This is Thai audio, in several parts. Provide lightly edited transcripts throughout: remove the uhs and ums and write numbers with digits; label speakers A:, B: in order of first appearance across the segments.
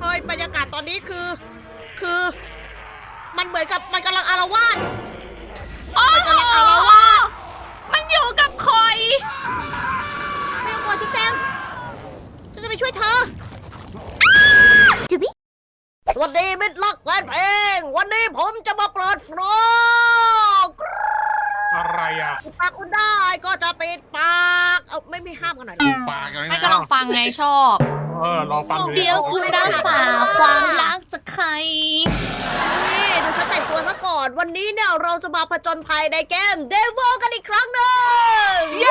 A: เฮ้ยบรรยากาศตอนนี้คือ มันเหมือนกับมันกำลังอาละวาด
B: โอ้
A: มันกำลังอาละวาด
B: มันอยู่กับคอย
A: ไม่ต้องกลัวจุ๊บแจงฉันจะไปช่วยเธอ
B: จุบิ
A: สวัสดีมิตรรักแฟนเพลง วันนี้ผมจะมาเปิดฟลอก
C: อะไรอ่ะ
A: อุดปากอุดได้ก็จะปิดปากเอาไม่มีห้ามกันหน่อยเหรอ
D: ปากอะไร
B: ไม่
D: นะ
B: ก็ลองฟังไงชอบ
C: ลองฟังดู
B: เดี๋ยวคุณรักษาความรักจากใคร
A: นี่ดูฉันแต่งตัวซะก่อน วันนี้เนี่ยเราจะมาผจญภัยในเกม Devil กันอีกครั้งหนึ่ง
B: เย้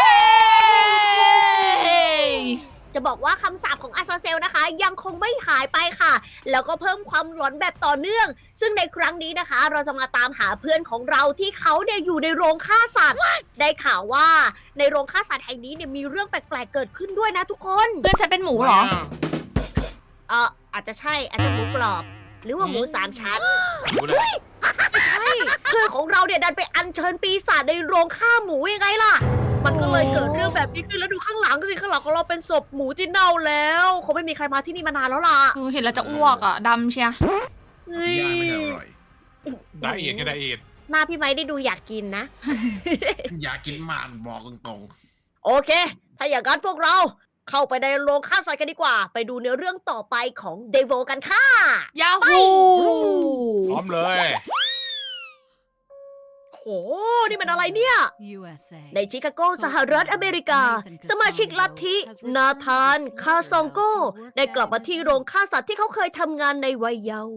A: จะบอกว่าคำสาปของอาซาเซลนะคะ ยังคงไม่หายไปค่ะ แล้วก็เพิ่มความหลอนแบบต่อเนื่อง ซึ่งในครั้งนี้นะคะ เราจะมาตามหาเพื่อนของเราที่เขาเนี่ยอยู่ในโรงฆ่าสัตว์ ได้ข่าวว่าในโรงฆ่าสัตว์แห่งนี้เนี่ยมีเรื่องแปลกๆเกิดขึ้นด้วยนะทุกคน
B: เพื่อนฉันเป็นหมูเหรอ
A: อาจจะใช่อาจจะหมูกรอบ หรือว่าหมูสามชั้น
C: รู้เลย
A: ไม่ใช่เพื่อนของเราเนี่ยดันไปอัญเชิญปีศาจในโรงฆ่าหมูยังไงล่ะ มันก็เลยเกิดเรื่องแบบนี้ขึ้นแล้วดูข้างหลังสิข้างหลังของเราเป็นศพหมูที่เน่าแล้วคงไม่มีใครมาที่นี่มานานแล้วล่ะ
B: คือเห็นแล้วจะอ้วกอ่ะดำเชีย
A: เฮ้ย
D: ย่างไม่ได้อร่อย
C: ไดเอทไงไดเอท
A: หน้าพี่ไม้ได้ดูอยากกินนะ
D: อยากกินหมานบอกตรง
A: โอเค ถ้าอย่างนั้นพวกเราเข้าไปในโรงฆ่าสัตว์กันดีกว่า ไปดูเนื้อเรื่องต่อไปของเดโวกันค่ะ
B: ยาฮู
C: พร้อมเลย
A: โห นี่มันอะไรเนี่ย ในชิคาโกสหรัฐอเมริกา สมาชิกลัทธินาธานคาซองโกได้กลับมาที่โรงฆ่าสัตว์ที่เขาเคยทำงานในวัยเยาว์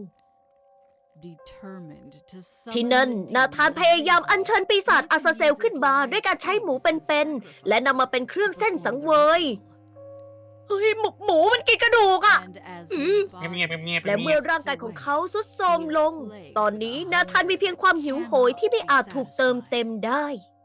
A: ที่นั่นนาธานพยายามอัญเชิญปีศาจอาซาเซลขึ้นมาด้วยการใช้หมูเป็นๆและนำมาเป็นเครื่องเส้นสังเวยเฮ้ยหมูมันกินกระดูกอะ
C: เงียบๆเงียบๆ
A: และเมื่อร่างกายของเขาทรุดโทรมลง ตอนนี้นาธานมีเพียงความหิวโหยที่ไม่อาจถูกเติมเต็มได้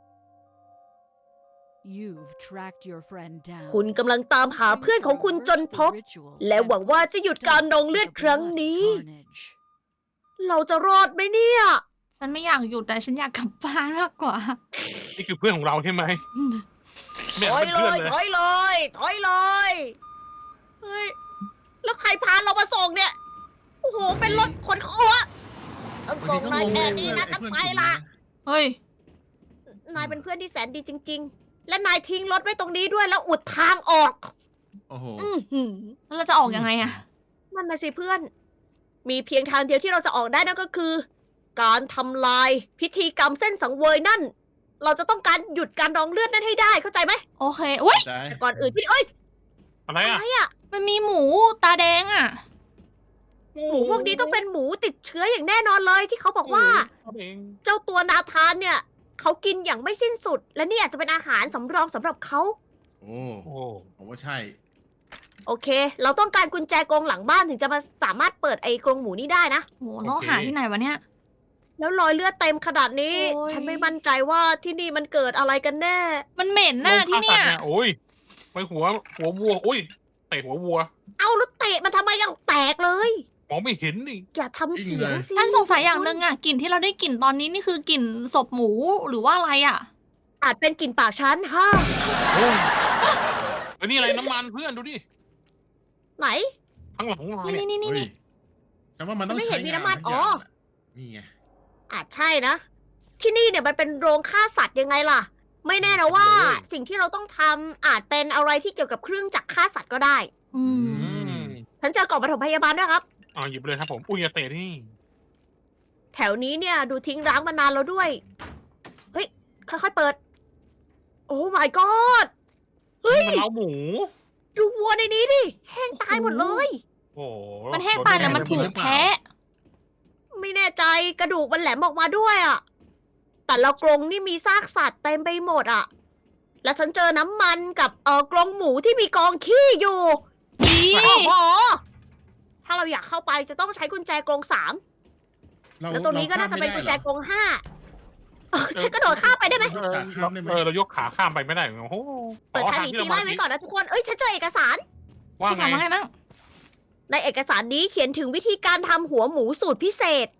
A: คุณกำลังตามหาเพื่อนของคุณจนพบ และหวังว่าจะหยุดการนองเลือดครั้งนี้ เราจะรอดไหมเนี่ย
B: ฉันไม่อยากหยุดแต่ฉันอยากกลับบ้านมากกว่า
C: นี่คือเพื่อนของเราใช่ไหม
A: ถอยเลย ถอยเลย ถอยเลย เฮ้ย แล้วใครพาเรามาส่งเนี่ย โอ้โห เป็นรถขนของอะต้อง
D: ๆ
A: ส่งนายแค่นี้นะต้องไปละ
B: เฮ้ย
A: นายเป็นเพื่อนที่แสนดีจริง ๆ และนายทิ้งรถไว้ตรงนี้ด้วยแล้วอุดทางออก
D: โอ้โห
A: อื้อหือ
B: แล้วเราจะออกยังไงอะ
A: นั่นนะสิเพื่อน มีเพียงทางเดียวที่เราจะออกได้นั่นก็คือ การทำลายพิธีกรรมเส้นสังเวยนั่น เราจะต้องการหยุดการนองเลือดนั่นให้ได้เข้าใจไหม
B: โอเคอุ้ย
D: ใจ
A: แต่ก่อนอื่นพี่เอ้ย
C: อะไร
A: อะ
C: อ่ะ
A: ไรอะ
B: มันมีหมูตาแดงอะ
A: หมูพวกนี้ต้องเป็นหมูติดเชื้ออย่างแน่นอนเลยที่เขาบอกว่า
C: เอง
A: เจ้าตัวนาธานเนี่ยเขากินอย่างไม่สิ้นสุด และนี่อาจจะเป็นอาหารสำรองสำหรับเขา
D: โอ้
C: โอ้
D: ผมว่าใช่
A: โอเค เราต้องการกุญแจกรงหลังบ้านถึงจะมาสามารถเปิดไอ้กรงหมูนี้ได้นะ
B: โหเราหาที่ไหนวะเนี่ย
A: แล้วรอยเลือดเต็มขนาดนี้
B: โอ้ย
A: ฉันไม่มั่นใจว่าที่นี่มันเกิดอะไรกันแน่
B: มันเหม็นหน้าที่เนี่ย
C: โอ้ยไปหัววัวอุ้ยเตะหัววัว
A: เอาแล้วเตะมันทำไมยังแตกเลย
C: มองไม่เห็นนี่
A: อย่าทำเสียงสิ
B: ท่านสงสัยอย่างหนึ่งอะกลิ่นที่เราได้กลิ่นตอนนี้นี่คือกลิ่นศพหมูหรือว่าอะไรอะ
A: อาจเป็นกลิ่นปากฉันฮะ
C: โอ้ยเอ้ยนี่อะไรน้ำมันเพื่อนดูดิ
A: ไหน
C: ข้างหลังของเรา
B: นี่
C: เนี่ย
B: นี่นี่
D: เฮ้ย
B: นี่
D: แต่ว่ามันต้อง
A: ไม่เห็
D: ใช้
A: นมี
D: งาน
A: น้ำมัน
D: ทุก
A: อ๋อ
D: ย่างน่ะนี่ไง
A: อาจใช่นะ ที่นี่เนี่ยมันเป็นโรงฆ่าสัตว์ยังไงล่ะ ไม่แน่นะว่า สิ่งที่เราต้องทำอาจเป็นอะไรที่เกี่ยวกับเครื่องจักรฆ่าสัตว์ก็ได้
B: อืม
C: อืม
A: ฉันเจอกล่องปฐมพยาบาลด้วยครับ
C: หยิบเลยครับผมอุ้ยอย่าเตะนี่
A: แถวนี้เนี่ยดูทิ้งร้างมานานแล้วด้วย เฮ้ย ค่อยๆเปิด โอ้ my god เฮ้ย
C: มันเล้าหมู
A: ดูวัวในนี้ดิ แห้งตายหมดเลย
C: โอ้โห
B: มันแห้งตายแล้วมันถูกแทะ
A: ไม่แน่ใจกระดูกมันแหลมออกมาด้วยอะ แต่ละกรงนี่มีซากสัตว์เต็มไปหมดอะแล้วฉันเจอน้ำมันกับกรงหมูที่มีกองขี้อยู่
B: อี
A: โอ้โห ถ้าเราอยากเข้าไปจะต้องใช้กุญแจกรง3 แล้วตรงนี้ก็น่าจะเป็นกุญแจกรง5ฉันกระโดดข้ามไปได้ไหม
C: เรายกขาข้ามไปไม่ได้โอ้โห
A: เปิดทางหนีทีไล่ไว้ก่อนนะทุกคน เอ้ยฉันเจอเอกสาร
C: ว่า
B: พี่
C: ไง
B: สาวว่าไงบ้าง
A: ในเอกสารนี้เขียนถึงวิธีการทำหัวหมูสูตรพิเศษ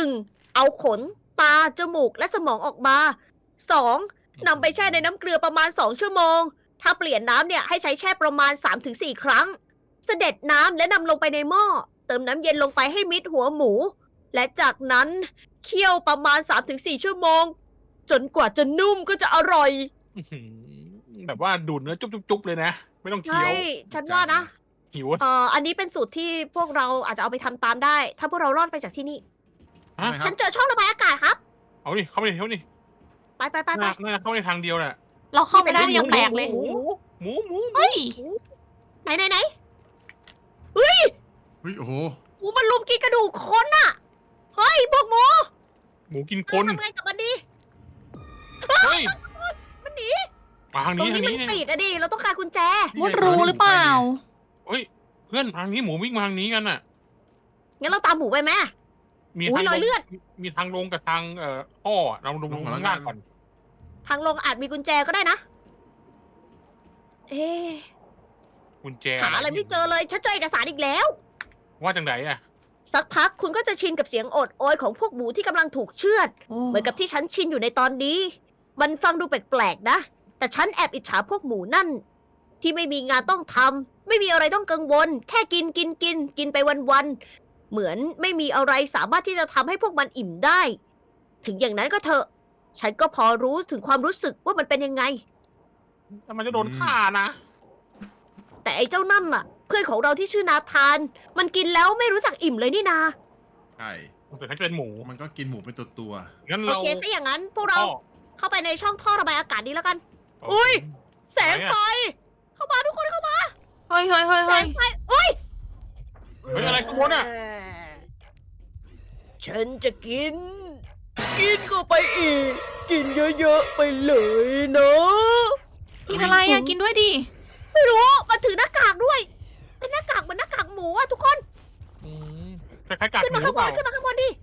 A: 1. เอาขน ตา จมูก และสมองออกมา 2. นำไปแช่ในน้ำเกลือประมาณ 2 ชั่วโมง ถ้าเปลี่ยนน้ำเนี่ยให้ใช้แช่ประมาณ 3-4 ครั้ง เสด็จน้ำและนำลงไปในหม้อเติมน้ำเย็นลงไปให้มิดหัวหมู และจากนั้นเคี่ยวประมาณ 3-4 ชั่วโมง จนกว่าจะนุ่มก็จะอร่อย
C: อื้อหือแบบว่าดูดเนื้อจุ๊บๆเลยนะ ไม่ต้องเคี้
A: ใช่
C: ยว
A: ฉันว่านะ
C: หิว
A: อันนี้เป็นสูตรที่พวกเราอาจจะเอาไปทำตามได้ ถ้าพวกเรารอดไปจากที่นี่
C: ฮะ
D: ทำไมค
A: ฉั
D: รับ
A: นเจอช่องระบายอากาศครับ
C: เอาดิเข้าไปดิเข้าดิ
A: ไปไปไปไป
C: น่าเข้าในทางเดียวแหละ
B: เราเข้าไปได้ยังแปลกเลย
C: หมูหมู
B: เฮ้ย
A: ไหนไหนไหน
D: เฮ้ยโอ้โห
A: หมูมันลุมกินกระดูกคนอะเฮ้ยพวกหมู
C: หมูกินคน
A: ทำไงกับมันดี
C: เฮ้ย
A: มันหนี
C: มาทาง
A: ตร
C: นี้
A: ง
C: ทา
A: นี้
C: ง
A: มัน
C: นี้เนี่ย
A: ปิดอะดิ เราต้องการกุญแจ
B: มุดรูหรือเปล่า
C: เฮ้ยเพื่อนทางนี้หมูวิ่งมาทางนี้กันน่ะ
A: งั้นเราตามหมูไปไหม
C: มี
A: อุ๊ย
C: ทาง
A: รอยเลือด
C: มีทางลงกับทางท่ออะเราลงข้างล่างก่อน
A: ทางลงอาจมีกุญแจก็ได้นะ เอ๊ะ
C: กุญแจ
A: หาอะไรไม่เจอเลย ฉันเจอเอกสารอีกแล้ว
C: ว่าจังไหนอะ
A: สักพักคุณก็จะชินกับเสียงโอดโอยของพวกหมูที่กำลังถูกเชือด เหมือนกับที่ฉันชินอยู่ในตอนนี้ มันฟังดูแปลกๆนะ แต่ฉันแอบอิจฉาพวกหมูนั่น ที่ไม่มีงานต้องทำ ไม่มีอะไรต้องกังวล แค่กินไปวันๆ เหมือนไม่มีอะไรสามารถที่จะทำให้พวกมันอิ่มได้ ถึงอย่างนั้นก็เถอะ ฉันก็พอรู้ถึงความรู้สึกว่ามันเป็นยังไง
C: แต่มันจะโดนฆ่านะ
A: แต่ไอ้เจ้านั่นล่ะ เพื่อนของเราที่ชื่อนาธาน มันกินแล้วไม่รู้จักอิ่มเลยนี่นา
D: ใช่
C: แต่ฉันจะเป็นหมู
D: มันก็กินหมูเป็นตัว
C: งั้น
A: โอ
C: เรา
A: เคถ้าอย่างนั้นพวกเรา
C: ท่อ
A: เข้าไปในช่องท่อระบายอากาศนี้แล้วกัน อุ๊ย แสงไฟ เข้ามาทุกคนเข้ามา
B: เฮ้ยเฮ้ยเฮ้ย
A: แส
B: เฮ้ย
A: งไฟเอ้ย
C: เฮ้ยอะไรขบวนอะ
A: ฉันจะกินเข้าไปอีก กินเยอะๆไปเลยเนาะ
B: กินอะไรอะกินด้วยดิ
A: ไม่รู้มันถือหน้ากากด้วย เป็นหน้ากากเหมือนหน้ากากหมูอะทุกคน
C: อืมจะคล้ายๆกัด
A: ขึ้น
C: หมู
A: มา
C: หรื
A: ข้าง
C: อบ เปล่าน
A: ขึ้นมาข้างบนดิ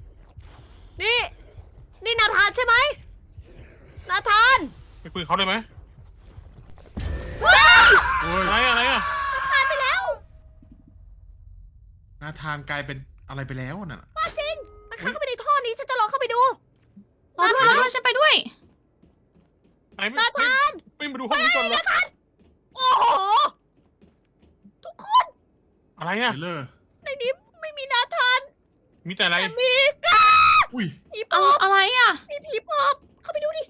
A: นี่นาธานใช่ไหม นาธาน
C: ไปคุยกับเขาได้ไหม
D: ๆโอ้ย
C: อะไรอะ
A: ทานไปแล้ว
D: นาธานกลายเป็นอะไรไปแล้วน่ะ
A: ป้าจริง มันเข้าไปในท่อนี้ฉันจะลองเข้าไปดู
B: รอด้วยรอด้วยฉันไปด้วย
C: อะไรไม่
A: นาธาน
C: ไม่มาดูห้องนี้ก่อนเหรอ
A: โอ้โห ทุกคน
C: อะไร
D: เท
C: อะ
D: เลอร์
A: ในนี้ไม่มีนาธาน
C: มีแต่อะไร
A: แต่มี
D: อุ้ย
A: ผีป
B: เอา
A: อบ
B: อะไรอะ
A: มีผีปอบเข้าไปดูดิ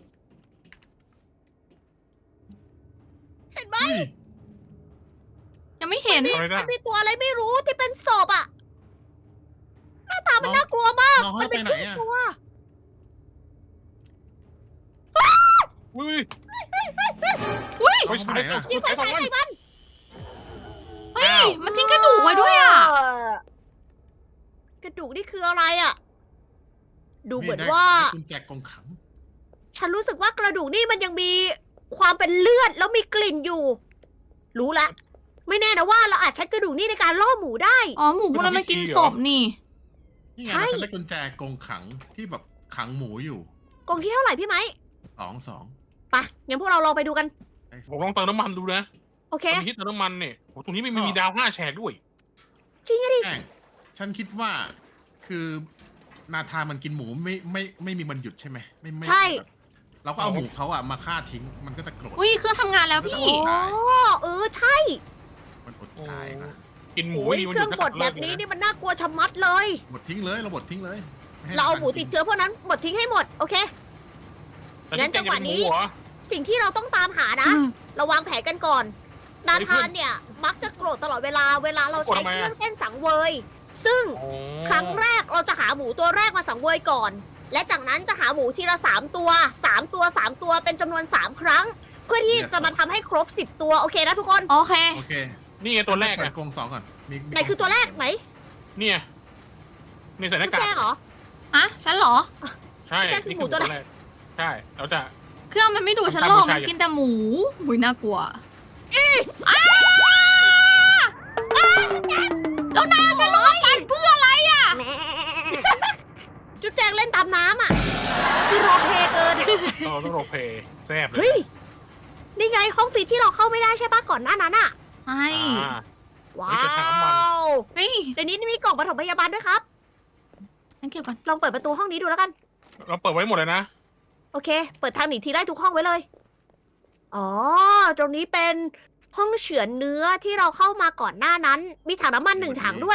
A: เห็นไหม
D: อุ้ย
B: ยังไม่เห็น
C: อะไร
A: มั
C: นะ
A: นมีตัวอะไรไม่รู้ที่เป็นศพอะหน้าตามันน่ากลัวมาก
D: น้อง
A: มั
D: ให้
A: น
D: ไป
A: เป็น
D: ไหน
A: ครึ่ง
D: อ่ะ
A: ตัว
C: อุ้ย
B: อุ้ย
C: ไปฉาย
D: เอาไปไหนอะ
A: ยิงไฟฉายใส่มัน
B: เฮ้ย มันทิ้งกระดูกไว้ด้วยอะ
A: กระดูกนี่คืออะไรอะดูเหมือน
D: ได้
A: ว่า
D: ได้กุญแจกองขัง
A: ฉันรู้สึกว่ากระดูกนี่มันยังมีความเป็นเลือดแล้วมีกลิ่นอยู่ รู้ละ ไม่แน่นะว่าเราอาจใช้กระดูกนี่ในการล่อหมูได้
B: อ๋อหมูพวกนั้นมันกินศพนี่
D: นี่ไง
A: ใช่
D: เราจะได้กุญแจกองขังที่แบบขังหมูอยู่
A: กล่องที่เท่าไหร่พี่ไหม
D: 2
A: ไปงั้นพวกเราลองไปดูกัน
C: ผมลองเติมน้ำมันดูนะ
A: โอเค
C: ตอนนี้เติมน้ำมันเนี่ยโอ้ตรงนี้ไม่มีดาว5 แฉกด้วย
A: จริงอะดิ
D: แป้งฉันคิดว่าคือนาธานมันกินหมูไม่มีมันหยุดใช่ไหมไม่
A: ใช่
D: แบบเราก็เอาหมูเขาอะมาฆ่าทิ้งมันก็จะโกรธ
B: อุ้ยเครื่องทำงานแล้วพี่
A: โอ้ใช่
D: มันอดตายนะ
C: กินหมู
A: โอ้ย
C: นี่มัน
A: เครื่องบดแบบนี้นี่มันน่ากลัวชะมัดเลย
D: บดทิ้งเลยเราบดทิ้งเลยไให้
A: เราเอาหมู
D: นธน
A: ติดเชื้อพวกนั้นบดทิ้งให้หมด โอเค
C: แต่
A: งั้นจังหวะนี้
C: แกจะเป็มูเหรอ
A: สิ่งที่เราต้องตามหานะ เราวางแผนกันก่อน นาธานเนี่ย มักจะโกรธตลอดเวลาเราใช้เครื่องเส้นสังเวย ซึ่ง
C: อ๋อ
A: ครั้งแรกเราจะหาหมูตัวแรกมาสังเวยก่อน และจากนั้นจะหาหมูทีละ3 ตัว 3 ตัว 3 ตัวเป็นจำนวน 3 ครั้ง เพื่อที่จะมาทำให้ครบ 10 ตัวโอเคนะทุกคน
B: โอเค
D: โอเค
C: นี่ไงตัวแรก
D: เปิ
C: อะ
D: ดกรง2ก่อนมี
A: ไหนคือตัวแรกไหน
C: เนี่ยนี่ใส่ห
A: กุ
C: น้า
A: ญ
C: กา
A: แจ
C: ก
A: เหรอ
B: ฮะ ฉันเหรอ
C: ใช่
A: แกคือ
C: นี่
A: หมู
C: คือ
A: ตัว
C: ตัว
A: แร
C: แร
A: ก
C: กใช่แล้วจะ
B: เครื่องมันไม่ดูฉันหรอกมันกินแต่หมูหุยน่ากลัวอ้าแล้วนายเอาฉันลงไปเพื่ออะไรอะ
A: จุ๊บแจงเล่นตามน้ำอ่ะ คือโรลเพลย์เกินอะ
C: ต้องโรลเพลย์แซ่บเล
A: เฮ้
C: ย
A: ย นี่ไงห้องฟิตที่เราเข้าไม่ได้ใช่ปะก่อนหน้านั้นอ่ะ
B: ใช่
C: อ่า
A: ว้า
C: เฮ้ยกระทะน้ำมัน
A: ว
B: เฮ้ย
A: ในนี้มีกล่องปฐมพยาบาลด้วยครับ
B: ฉันเก็บก่อน
A: ลองเปิดประตูห้องนี้ดูแล้วกัน
C: เราเปิดไว้หมดเลยนะ
A: โอเค เปิดทางหนีทีไล่ทุกห้องไว้เลย อ๋อ ตรงนี้เป็นห้องเฉือนเนื้อที่เราเข้ามาก่อนหน้านั้น มีถังน้ำมัน1 ถังด้วย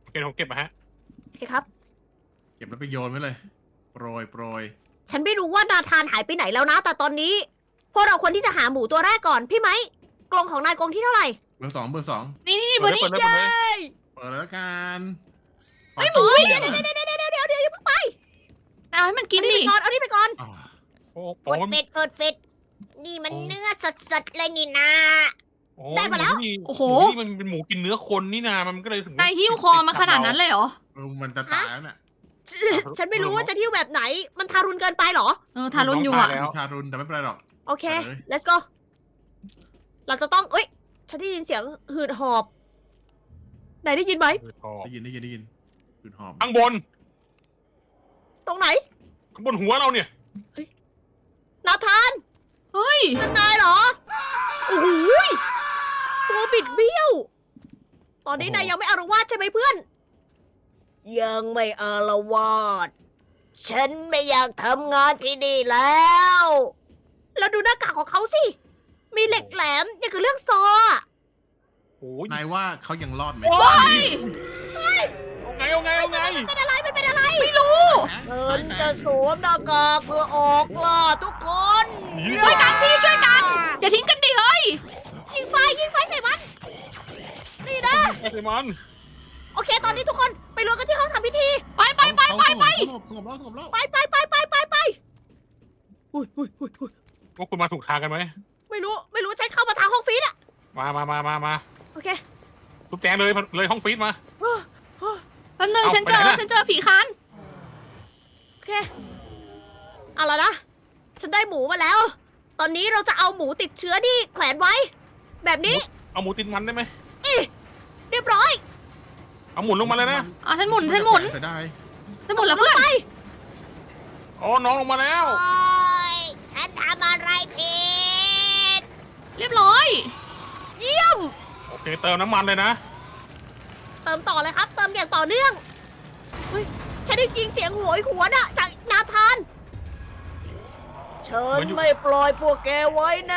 C: เก็บผมเก็บมาฮะ
A: โอเคครับ
D: เก็บแล้วไปโยนไว้เลย โปรย
A: ฉันไม่รู้ว่านาธานหายไปไหนแล้วนะ แต่ตอนนี้ พวกเราควรที่จะหาหมูตัวแรกก่อน พี่ไหมกรงของนายกรงที่เท่าไหร่
D: เบอร์สอง
B: นี่เบอร์นี้
C: เปิดเลย
D: เปิดแล้วกัน
B: เฮ้ยหมู
A: เดี๋ยวอย่าเพิ่งไป
B: เอาให้มันกิน
A: เอานี่
B: ดิ
A: ไปก่อนเอานี่ไปก่อน
D: อ๋อ
C: โอ้
A: เฟิดเฟดนี่มันเนื้อสดๆเลยนี่นะ ได้มาแล้ว
B: โอ้โห
C: นี่มันเป็นหมูกินเนื้อคนนี่นามันก็เลยถึง
B: นายหิ้วคอมาขนาดนั้นเลยเหรอ
D: มันจะตายแล้วเนี่ย
A: ฉันไม่รู้ว่าจะเที่ยวแบบไหน มันทารุณเกินไปเหรอ
B: ทารุณอยู่อ่ะ
C: แล้ว
D: ทารุณแต่ไม่เป็นไรหรอก
A: โอเค
D: ไปเลย
A: let's go เราจะต้อง เอ้ย ฉันได้ยินเสียงหืดหอบไหนได้ยินไหม
D: ได้ยินคืนหอม
C: ข้างบน
A: ตรงไหน
C: ข้างบนหัวเราเนี่ย
A: นาธาน
B: เฮ้ย
A: นั่นนายเหรอ โอ้โหยตัวบิดเบี้ยว ตอนนี้นายยังไม่อารวาสใช่ไหมเพื่อน ยังไม่อารวาส ฉันไม่อยากทำงานที่นี่แล้ว แล้วดูหน้ากากของเขาสิ มีเหล็กแหลมอย่างกับเรื่องซออะ
C: โอ้ย
D: นายว่าเขายังรอดไหม
C: โอ้
B: เฮ้ย
C: เอาไง
A: เป็นอะไรมันเป็นอะไร
B: ไม่รู้
A: ฉันจะสวมหน้ากากเพื่อออกล่าทุกคน
B: ช่วยกันพี่ช่วยกัน อย่าทิ้งกันดิเฮ้ย
A: ยิงไฟใส่มัน นี่นะ
C: ไอ้เซมัน
A: โอเค ตอนนี้ทุกคนไปรวมกันที่ห้องทำพิธี
B: ไป
D: สงบแล้ว
A: ไปอุ้ย
C: พวกคุณมาถูกทางกันไหม
A: ไม่รู้ฉันเข้ามาทางห้องฟีดอะ
C: มา
A: โอเค
C: ทุบแจงเลยห้องฟีดมา
B: แป๊บนึง
C: เอา
B: ฉัน
C: ไปไหนนะ
B: เจอผีคาน
A: โอเค เอาละนะ ฉันได้หมูมาแล้ว ตอนนี้เราจะเอาหมูติดเชื้อที่แขวนไว้ แบบนี้
C: เอาหมูติดมันได้ไหม
A: เรียบร้อย
C: เอาหมุนลงมาเลยนะ
B: ฉันหมุน
D: เสียดาย
B: ฉันหมุนแล้วเพื่อน
A: ไป
C: อ๋อน้องลงมาแล้ว
A: โอ้ยฉันทำอะไรผิด
B: เรียบร้อย
A: เยี่ยม
C: โอเคเติมน้ำมันเลยนะ
A: เติมต่อเลยครับ เติมอย่างต่อเนื่องเฮ้ยฉันได้ยินเสียงโหยหวนอะจากนาธานฉันไม่ปล่อยพวกแกไว้แน่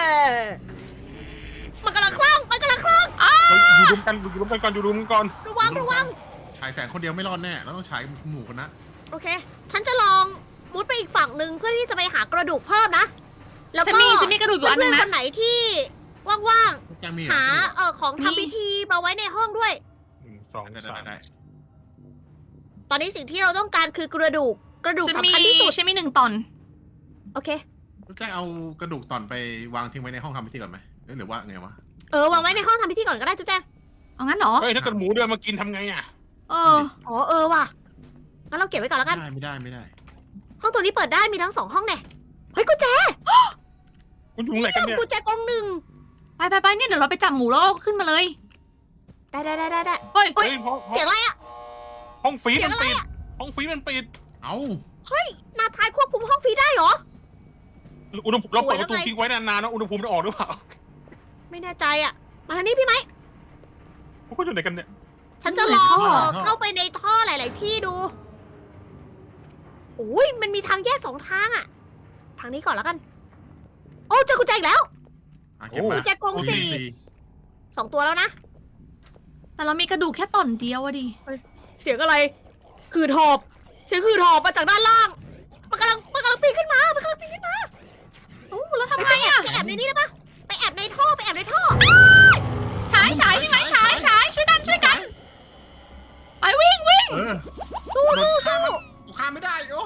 A: มันกำลังคลั่ง
C: เราอยู่รวมกันก่อน
A: ระวัง
D: ฉายแสงคนเดียวไม่รอดแน่แล้วต้องฉายหมู่คนนะ
A: โอเค ฉันจะลองมุดไปอีกฝั่งหนึ่งเพื่อที่จะไปหากระดูกเพิ่มนะ แล้ว
B: ฉัน
A: ก็
B: มีกระดูกอยู่อันนึ
A: เพื่อน
B: ง
A: ๆค
B: นะ
A: นไหนที่ว่าง
D: แจ้งมี
A: ๆ หาของทำพิธีมาไว้ในห้องด้วย
C: 1 2 3
D: ได้
A: ตอนนี้สิ่งที่เราต้องการคือกระดูก
B: ฉัน
A: สำคัญที่สุด
B: ฉันมี1 ตอน
A: โอเค
D: แจ้งเอากระดูกตอนไปวางทิ้งไว้ในห้องทำพิธีก่อนไหมหรือว่าไงวะ
A: วางไว้ในห้องทำพิธีก่อนก็ได้จุ๊บแจง
B: เอางั้นเหรอ
C: เฮ้ยถ้าเกิดหมูเดินมากินทำไงอ่ะ
A: ว่ะ งั้นเราเก็บไว้ก่อนแล้วกัน
D: ไม่ได้
A: ห้องตัวนี้เปิดได้มีทั้ง2ห้องแน่เฮ้ยกุญแจ
C: คุณอยู่ไหนกันเนี่ย
A: กุญแจกองหนึ่ง
B: ไปเนี่ยเดี๋ยวเราไปจับหมูแล้วเอาขึ้นมาเลย
A: ได้
B: เฮ้ย
A: เฮ้ย
C: เพราะ
A: เสียงอะไรอะ
C: ห้องฟีด
A: เสียง
C: มัน
A: อะไร
C: ปิด
A: อะ
C: ห้องฟีดมันปิด
D: เอา
A: นาทายควบคุมห้องฟรีได้เหรอ
C: อุณหภูมิเราเปิด
A: สวย
C: ประตู
A: แล้วไง
C: ทิ้งไว้นานๆนะอุณหภูมิจะออกหรือเปล่า
A: ไม่แน่ใจอะมาทางนี้พี่ไหม
C: พวกคุณอยู่ไหนกันเนี่ย
A: ฉันจะลองเข้าไปในท่อหลาย ๆ ที่ดูโอ้ยมันมีทางแยก2 ทางอะทางนี้ก่อนแล้วกัน โอ้เจอกุญแจอีกแล้ว
D: เก็บมา
A: กุญแจกอง4 2 ตัวแล้วนะ
B: แต่เรามีกระดูกแค่ตอนเดียวอะดิ
A: เสียงอะไรหืดหอบ เสียงหืดหอบมาจากด้านล่าง มันกำลังปีนขึ้นมา
B: โอ้แล้วทำ
A: ไป
B: ไงอะ
A: แอบในนี้ได้ปะไปแอบในท่อ
B: ฉายพี่ไหมฉายช่วยกันไปวิ่ง
D: สู้ข้ามไม่ได้โอ้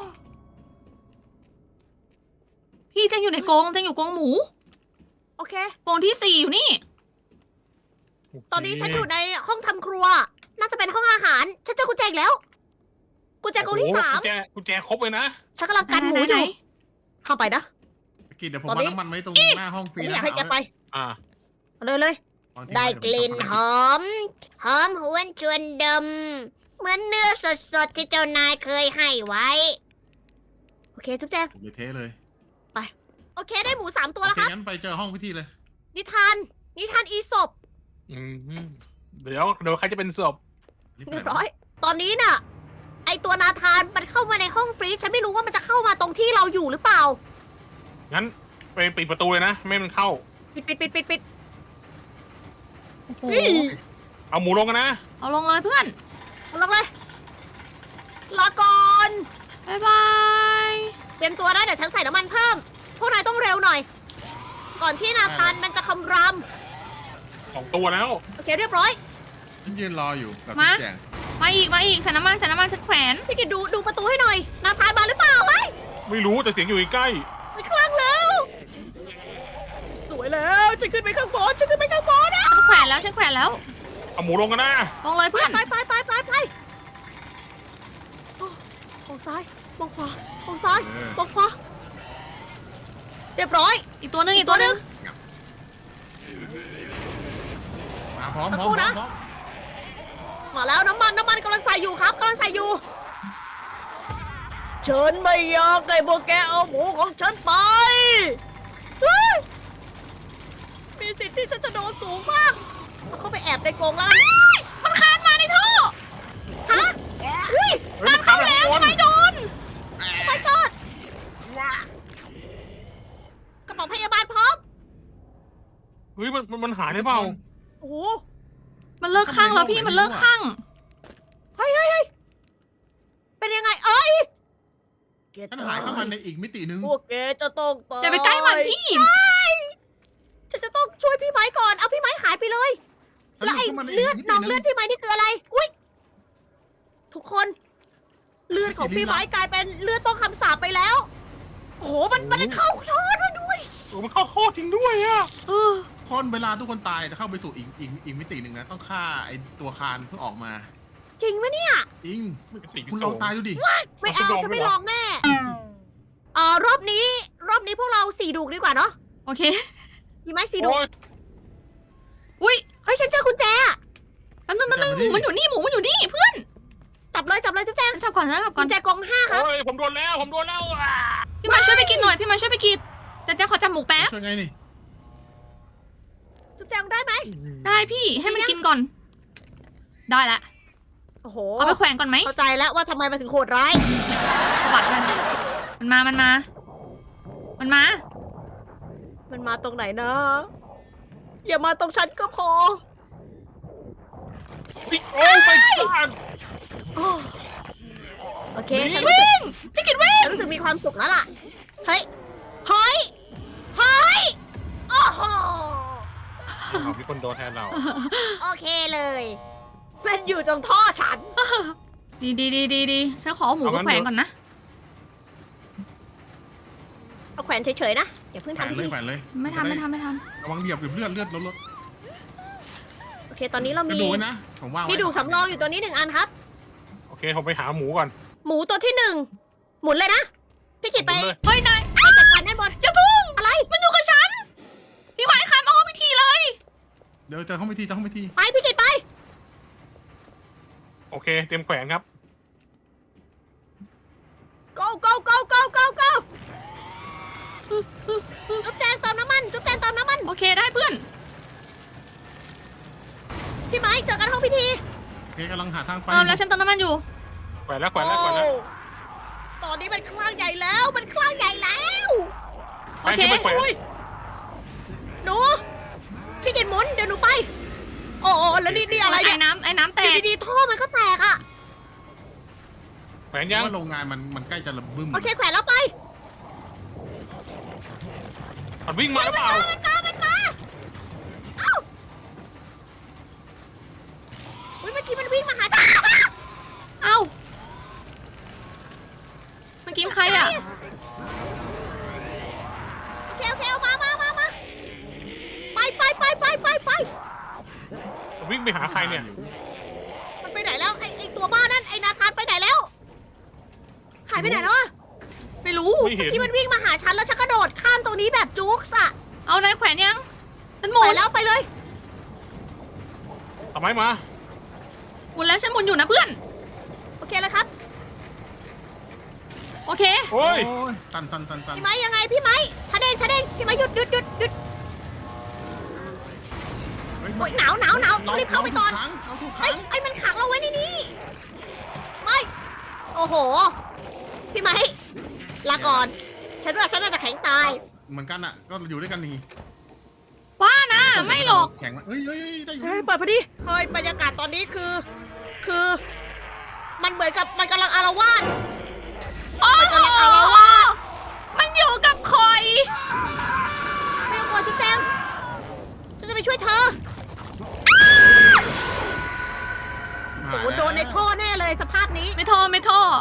B: พี่จะอยู่ในกรงจะอยู่กรงหมู
A: โอเค
B: กรงที่ 4อยู่นี่
A: ตอนนี้ฉันอยู่ในห้องทำครัว น่าจะเป็นห้องอาหาร ฉันเจอกุญแจอีกแล้ว กุญแจกรงที่
C: โอ้โห
A: 3
C: กุญแจครบเลยนะ
A: ฉันกำลังกันหมูอยู่เข้าไปนะ
D: กินเดี๋ยวผมวางน้ำมันไว้ตรงหน้าห้องฟรี
A: ไม่อ
D: นะ
A: ยากให้แกไป
C: อ่า
A: เอาเลย ได้กลิ่นหอมหวนชวนดม เหมือนเนื้อสดๆที่เจ้านายเคยให้ไว้ โอเคทุกแจง
D: เลยเทเลย
A: โอเคได้หมู3 ตัวแล้วครับ
D: งั้นไปเจอห้องพิธีเลย
A: นิทานอีสป
C: เดี๋ยวใครจะเป็นศพ
A: เรียบร้อย ตอนนี้น่ะ ไอตัวนาธานมันเข้ามาในห้องฟรีซฉันไม่รู้ว่ามันจะเข้ามาตรงที่เราอยู่หรือเปล่า
C: งั้นไปปิดประตูเลยนะไม่ให้มันเข้า
A: ปิด
B: โอ้โห
A: เฮ้ย
C: เอาหมูลงกันนะ
B: เอาลงเลยเพื่อน
A: ลงเลยรอก่อน
B: บ๊ายบาย
A: เตรียมตัวนะเดี๋ยวฉันใส่น้ำมันเพิ่ม พวกนายต้องเร็วหน่อย ก่อนที่นาธานมันจะคำราม
C: 2 ตัวแล้ว
A: โอเคเรียบร้อย
D: ฉันยืนรออยู่กับ
B: มา
D: พี่แจง
B: มาอีกใส่น้ำมันฉันแขวน
A: พี่กิตดูประตูให้หน่อย นาธานมาหรือเปล่าไหม
C: ไม่รู้แต่เสียงอยู่ใกล้
A: มันคลั่งแล้ว สวยแล้วฉันขึ้นไปข้างบนนะ
B: ฉันแขวนแล้ว
C: ๆเอาหมูลงกันนะ
B: ลงเลยเพื่อน
A: ไปโอ้มองซ้ายมองขวามองซ้ายมองขวาเรียบร้อย
B: อีกตัวหนึง
D: มาพร้อม
A: สัก
D: พร้
A: ครู่
D: อม
A: นะ
D: พร้อม
A: มาแล้วน้ำมันกำลังใส่อยู่ครับกำลังใส่อยู่ฉันไม่อยากให้พวกแกเอาหมูของฉันไปเฮ้ยมีสิทธิ์ที่ฉันจะโดนสูงมากเอาเข้าไปแอบในกรงแล้วกัน
B: มันคานมาในท่อ
A: ฮะเฮ้ย
C: เฮ้ยมันเข้าแล้ว
B: ไม่โดน
A: ไปก่อนกระเป๋าพยาบาลพร้อม
C: เฮ้ยมันหายได้เปล่า
A: โอ้โห
B: มันเลิกข้างแล้วพี่มันเลิกข้าง
A: เฮ้ยเป็นยังไงเอ้ย
D: ฉันหายเข้ามาในอีกมิตินึง
A: พวกแกจะต้องตาย
B: อย่าไปใกล้มันพี่
A: ฉันจะต้องช่วยพี่ไม้ก่อนเอาพี่ไม้หายไปเลย
D: ฉัน
A: แล้วไอ้
D: ยู่ข้ามาใน
A: เลือด
D: กมิติ
A: น้อง
D: ห
A: เลือดพี่ไม้นี่คืออะไร อุ้ยทุกคน เลือดของพี่ไม้กลายเป็นเลือดต้องคำสาปไปแล้ว โอ้โหมันเข้าโทษมาด้วย
C: มันเข้าโทษจริงด้วยอะ
B: เออ
D: คนเวลาทุกคนตายจะเข้าไปสู่อีกมิติหนึ่งนะต้องฆ่าไอ้ตัวคานเพื่อออกมา
A: จริงไหมเนี่ย
D: จริงคุณลองตายดูดิ
A: ไม่เอาฉันไม่ลองแน่รอบนี้พวกเราสี่ดูกดีกว่าเนาะ
B: โอเค
A: มีไหมสี่ดูก
C: โอ้ย
B: อุ้ย
A: เฮ้ยฉันเจอกุญแจอะ
B: แป๊บนึงหมูมันอยู่นี่เพื่อน
A: จับเลยจุ๊บแจง
B: ฉันจับก่อน
A: กุญแจกอง5ครับ
C: โอ้ยผมโดนแล้วอ่ะ
B: พี่มาช่วยไปกินหน่อยแต่ขอจับหมูแป๊บ
D: ช่วยไงนี่
A: จุ๊บแจงได้ไหม
B: ได้พี่ให้มันกินก่อน ได้ละ
A: โอ้โห
B: เอาไปแขวนก่อนไหม
A: เข้าใจแล้วว่าทำไมมันถึงโหดร้าย
B: สวัสดมันมา
A: มันมาตรงไหนนะ อย่ามาตรงฉันก็พอ
C: โอ้ยไปก่อน
A: อ้อโอเค
C: นี่
A: ฉันรู้สึก
B: พี่กินวิ่ง
A: ฉันรู้สึกมีความสุขแล้วล่ะ เฮ้ยโอ้โห
C: เอามีคนโดนแทนเรา
A: โอเคเลย มันอยู่ตรงท่อฉัน
B: ดีฉันขอเอาหมูไปแขวนก่อนนะ
A: เอาแขวนเฉยๆนะ อย่าเพิ่ง
D: แขวน
A: ทำ
D: เลย
A: ที
D: แขวนเลย
B: ไม่ทำ
D: ระวังเหยียบเลือดลด
A: โอเค ตอนนี้เรา
D: กระ
A: มี
D: ดูกไว้นะผมว่างไว้
A: มีดูกสำรองอยู่ตัวนี้1 อันครับ
C: โอเคผมไปหาหมูก่อน
A: หมูตัวที่1หมุนเลยนะ พี่กิตไป
C: หมุนเลย
B: เฮ้ยนาย
A: ไปจัดการด้านบน
B: อย่าพึ่ง
A: อะไร
B: มันอยู่กับฉัน พี่หมายคานมาห้องพิธีเลย
D: เดี๋ยวเจอเข้าไปที
A: ไปพี่กิตไป
C: โอเคเตรียมแขวนครับ
A: go จุ๊บแจงเติมน้ำมัน
B: โอเคได้เพื่อน
A: พี่ไม้เจอกันห้องพิธี
D: โอเคกำลังหาทางไป
B: แล้วฉันเติมน้ำมันอยู่
C: แขวนแล้ว
A: โอ้ตอนนี้มันคลั่งใหญ่แล้ว
B: โอเค
C: ไปแขวน
A: อุ้ยหนูพี่กินหมุนเดี๋ยวหนูไป โอ้แล้วนี่อะไรเนี่ย
B: ไอ้น้ำแตก
A: ดีๆท่อมันก็แตกอ่ะ
C: แขวน
D: เพ
C: ยัง
D: ราะว่าโรงงานมันใกล้จะระบึ้ม
A: โอเคแขวนแล้วไป
C: มันวิ่งมาหรือเปล่า
A: มันมาเอ้าอุ้ยเมื่อกี้มันวิ่งมาหาจ้า
B: เอ้าเมื่อกี้ใครอ่ะ
A: โอเคเอามาไป
C: มันวิ่งไปหาใครเนี่ย
A: มันไปไหนแล้วไอตัวบ้านั่นไอนาธานไปไหนแล้ว หายไปไหนแล้วอะ
B: ไม่รู้
C: ไม่เห็น
A: ที่มันวิ่งมาหาฉันแล้วฉันกระโดดข้ามตรงนี้แบบจุ๊กส์อะ
B: เอานายแขวนยังฉันหมุ
A: ไป
B: น
A: แล้วไปเลย
C: ทำไมมา
B: หมุนแล้วฉันหมุนอยู่นะเพื่อน
A: โอเคแล้วครับ
B: โอเค
C: โอ้ย
D: โอ้ยตัน
A: พี่ไม้ยังไงพี่ไม้ฉันเองพี่ไม้หยุด
D: เฮ้ย
A: โอ๊ยหนาวต้องรีบเข้าไปก่อน
D: เราถูก
A: เฮ้
D: ขั
A: ย
D: ง
A: ไอ้มันขังเราไว้ในนี้ไม่โอ้โห พี่ไม้ลาก่อนฉันว่าฉันน่าจะแข็งตาย
D: เหมือนกันอ่ะก็อยู่ด้วยกันนี่
B: ว่านะไม่หรอก
D: แข็งเฮ้ยได้อยู่
A: เฮ้ยเปิดพอดีเฮ้ยบรรยากาศตอนนี้คือมันเหมือนกับมันกำลังอาละวาด
B: โอ้โหมันอยู่กับคอย
A: ไม่ต้องกลัวจุ๊บแจงฉันจะไปช่วยเธอ โอ้โหโดนในท่อแน่เลยสภาพนี้
B: ไม่ท่อไม่ท่อ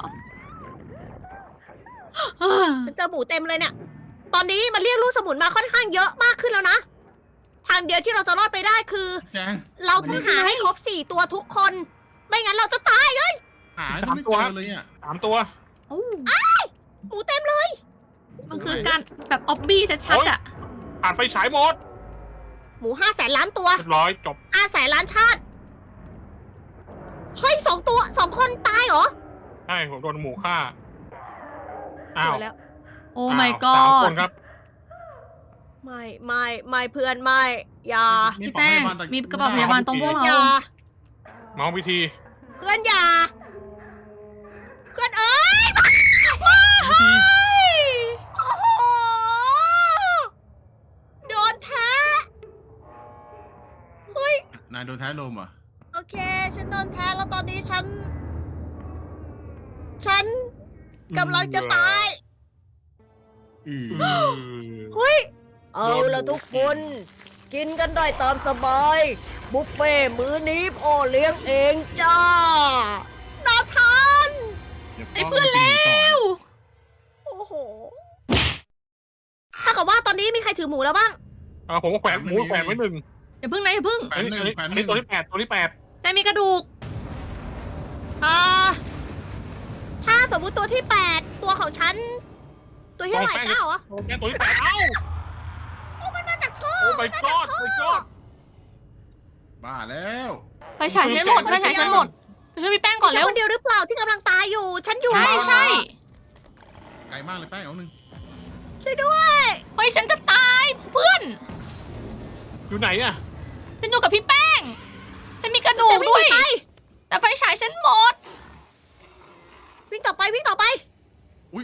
A: ฉันเจอหมูเต็มเลยเนี่ย ตอนนี้มันเรียกลูกสมุนมาค่อนข้างเยอะมากขึ้นแล้วนะ ทางเดียวที่เราจะรอดไปได้คือ
D: แจง
A: เราต้องหาให้ครบ4 ตัวทุกคน ไม่งั้นเราจะตายเลย
D: หาไม่เจอเลยอ่ะ
C: 3 ตัว
A: หมูเต็มเลย
B: มันคือการแบบออบบี้ชัดๆอ่ะ
C: ผ่านไฟฉายหมด
A: หมู500,000 ล้านตัว
C: เรียบร้อยจบ
A: 500,000 ล้านชาติเฮ้ย2 คนตายเหรอ
C: ใช่ผมโดนหมูฆ่า อ้าว
A: เจอแล้ว
B: โอ้
C: อ้าว
B: my
C: 3
B: god
C: คนครับ
A: ไม่เพื่อนไม่อย่า
B: พี่แป้งมีกระเป๋าพยาบาลตรงพวกเรา
A: อย่า
C: เมาพิธี
A: เพื่อนอย่าเพื่อนเอ้ย โอ้โหโดนแท้เฮ้ย
D: นายโดนแท้ลมเหรอ่ะ
A: โอเค ฉันโดนแท้แล้วตอนนี้ฉันกำลังจะตาย เฮ้ย เอาละทุกคน กินกันได้ตามสบาย บุฟเฟ่ต์มื้อนี้พ่อเลี้ยงเองจ้าน่าทาน
B: ไอ้เพื่อนแล้ว
A: โอ้โห ถ้ากับว่าตอนนี้มีใครถือหมูแล้วบ้าง
C: ผมก็แขวนหมูแขวนไว้1
B: อย่าพึ่งนะอย่าพึ่ง
D: แขวนหนึ่งแขวนห
C: นี่
D: นึ่ง
C: ตัวที่8ตัวที่
B: แต่มีกระดูก
A: ถ้าสมมุติตัวที่ 8 ตัวของฉัน ตัวที่เท่าไหร่9เหรอ
C: 8ตัวที่ 8 เอ้า
A: โอ้มันมาจากท่อ
C: โอ้ my god my god
D: บ้าแล้ว
B: ไฟฉายฉันหมดไฟฉายฉันหมดไปช่วยพี่แป้งก่อน
A: ฉั
B: เร็
A: น
B: ว
A: คนเดียวหรือเปล่าที่กำลังตายอยู่ ฉันอยู่
B: ใช่ใช่
D: ไกลมากเลยแป้งเอาหนึ่ง
A: ช่วยด้วย
B: เฮ้ยฉันจะตายเพื่อน
C: อยู่ไหนอะ
B: ฉันอยู่กับพี่แป้งแต่มีกระดูกด้วย
A: ไป
B: แต่ไฟฉายฉันหมด
A: วิ่งต่อไปวิ่งต่อไป
D: อุ้ย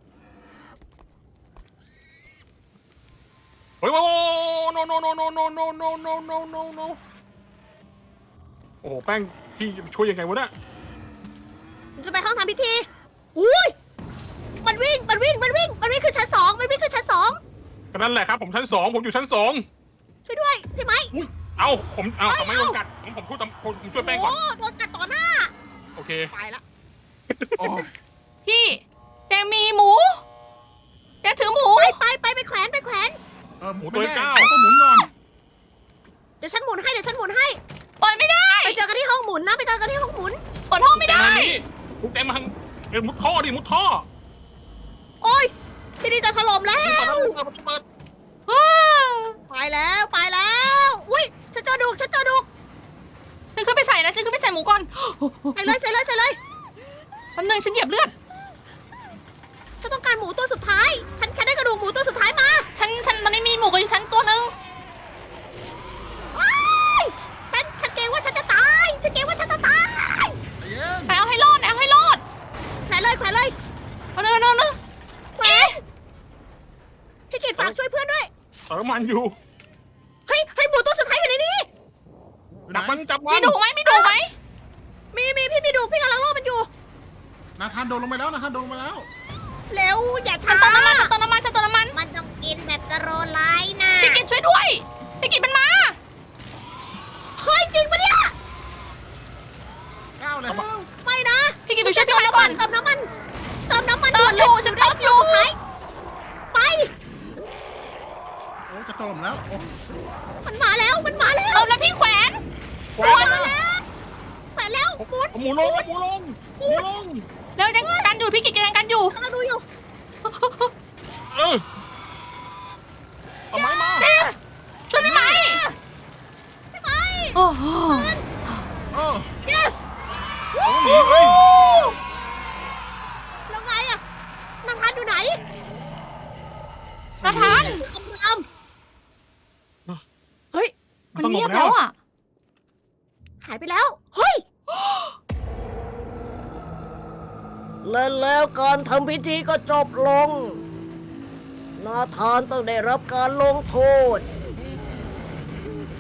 C: โอ้ยโอ้ no no no no no no no no no no no โอ้โหแป้งพี่จะช่วยยังไงวะเนี่ย
A: มันจะไปห้องทำพิธีอุ้ยมันวิ่งขึ้นชั้น 2มันวิ่งขึ้นชั้น 2
C: ก็นั่นแหละครับผมชั้น 2ผมอยู่ชั้น 2
A: ช่วยด้วยพี่ไม้
C: เอ้าผมไม่โดนกัดผมช่วยผมช่วยแป้งก่อน
A: โอ้โดนกัดต่อหน้า
C: โอเค
A: ตายละ
D: โอ้ย
B: พี่แจงมีหมูแจงถือหมู
A: ไปแขวน
D: หมู
C: ตัว
D: ไม่ได้
C: เก้า
D: ก็หมุนก่อน
A: เดี๋ยวฉันหมุนให้
B: เปิดไม่ได้
A: ไปเจอกันที่ห้องหมุนนะไปเจอกันที่ห้องหมุน
B: เปิดห้องไม่ได้
C: มุดเต็มมาทางมุดท่อดิมุดท่อ
A: โอ้ยที่นี่จะถล่มแล้ว
C: เปิด
A: ไปแล้วอุ้ยฉันเจอดุก
B: ฉันขึ้นไปใส่นะฉันขึ้นไปใส่หมูก่อน
A: ใส่เลย
B: แป๊บนึงฉันเหยียบเลือด
A: ฉันต้องการหมูตัวสุดท้ายฉันได้กระดูกหมูตัวสุดท้ายมา
B: ฉันตอนนี้มีหมูกับฉันตัวนึง
A: ว้ายฉันเกรงว่าฉันจะตาย
D: ใจเย็น
B: ไปเอาให้รอดนะเอาให้รอด
A: แขวนเลย
B: เอาเนอะ
A: แขวนพี่กิตฝากช่วยเพื่อนด้วย
C: เติมมันอยู่
A: เฮ้ยหมูตัวสุดท้ายอยู่ในนี้
C: จับมัน
B: มีดุไหม
A: มีพี่มีดุพี่กำลังล่อมันอยู่
D: นาธานโดนลงไปแล้วนาธานโดนลงไปแล้ว
A: เร็วอย่า
B: ฉัน
A: ช้า
B: เติมน้ำมัน
A: มันต้องกินแบบสโลว์ไลน์นะ
B: พี่กินช่วยด้วยพี่กินมันมา
A: เฮ้ยจริงปะเนี่ย
D: ก้าวแล้ว
A: ไม่นะ
B: พี่กินไปช่วยพี่ไม้ก่อน
A: เติมน้ำมันด่วน
B: เติมอยู่ฉันเติมอยู่
A: ไป
D: โอ้จะตกแล้วโอ้
A: มันมาแล้ว
B: เติมแล้วพี่แขวน
C: แขวนมา
A: แขวนแล้วหมุน
C: หมูลง
B: เร็วยังกันอยู่พี่กินยังกันอยู่
A: กำลังดูอยู่
C: เอาไม้มา
B: ช่วยพี่ไม้
A: พี่ไม้
B: โอ้โห
D: โอ้
A: yes
C: หนีเลย
A: แล้วไงอะนาธานอยู่ไหน
B: นาธาน
A: เฮ้ย
B: มันเงียบแล้วอ่ะ
A: หายไปแล้ว เฮ้ย แล้วการทำพิธีก็จบลง นาธานต้องได้รับการลงโทษ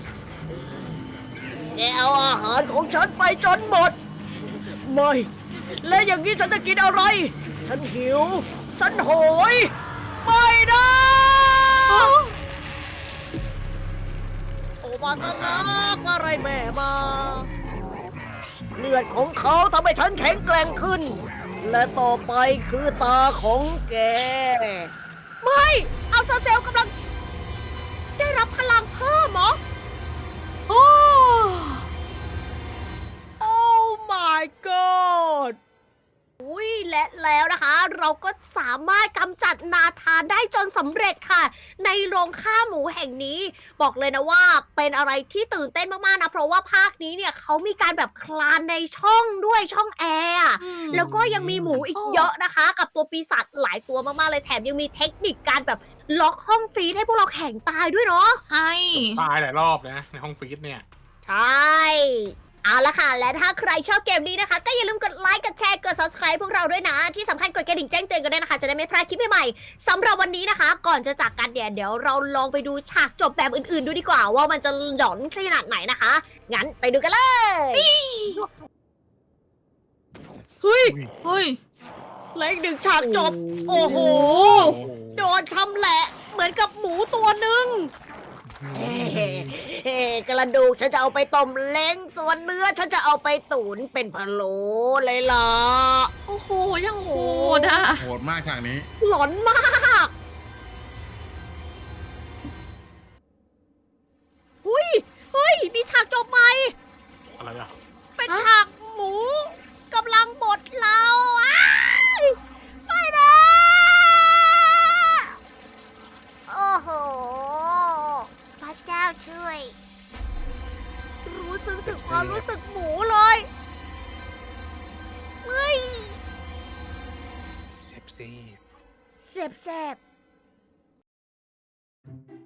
A: แกเอาอาหารของฉันไปจนหมด ไม่และอย่างนี้ฉันจะกินอะไร ฉันหิว ฉันโหย ไม่นะ โอมาสนะอะไรแม่มา เลือดของเขาทำให้ฉันแข็งแกร่งขึ้น และต่อไปคือตาของแก ไม่เอาซาเซลกำลัง ได้รับพลังเพิ่มเหรอ
B: โอ้
A: โอ้ my god อุ้ยและแล้วนะคะ เราก็สามารถกำจัดนาธานได้จนสำเร็จค่ะ ในโรงฆ่าหมูแห่งนี้ บอกเลยนะว่าเป็นอะไรที่ตื่นเต้นมากๆนะ เพราะว่าภาคนี้เนี่ยเขามีการแบบคลานในช่องด้วยช่องแอร์อะแล้วก็ยังมีหมูอีกเยอะนะคะ กับตัวปีศาจหลายตัวมากๆเลยแถมยังมีเทคนิคการแบบล็อกห้องฟรีซให้พวกเราแข่งตายด้วยเนาะ
B: ใช่
C: ตายหลายรอบนะในห้องฟีดเนี่ย
A: ใช่ เอาละค่ะ และถ้าใครชอบเกมนี้นะคะ ก็อย่าลืมกดไลค์ กดแชร์ กด subscribe พวกเราด้วยนะ ที่สำคัญกดกระดิ่งแจ้งเตือนกันด้วยนะคะ จะได้ไม่พลาดคลิปใหม่ๆสำหรับวันนี้นะคะ ก่อนจะจากกันเนี่ยเดี๋ยวเราลองไปดูฉากจบแบบอื่นๆดูดีกว่า ว่ามันจะหลอนขนาดไหนนะคะ งั้นไปดูกันเลย เฮ้ย
B: เฮ้ย
A: และอีกหนึ่งฉากจบ โอ้โห โดนชำแหละเหมือนกับหมูตัวหนึ่ง กระดูกฉันจะเอาไปต้มเล้งส่วนเนื้อฉันจะเอาไปตุ๋นเป็นพะโล้เลยล่ะ
B: โอ้โห ยังโหดอ่ะ
D: โหดมากฉากนี้
A: หลอนมากหุยเฮ้ย มีฉากจบใหม่
C: อะไรอ่ะ
A: เป็น
B: ฮะ
A: ฉากหมูกำลังบดเราอ้ายไม่นะ โอ้โห พระเจ้าช่วย รู้สึกถึงความรู้สึกหมูเลยเฮ้ย
C: เซฟซี่
A: เสบ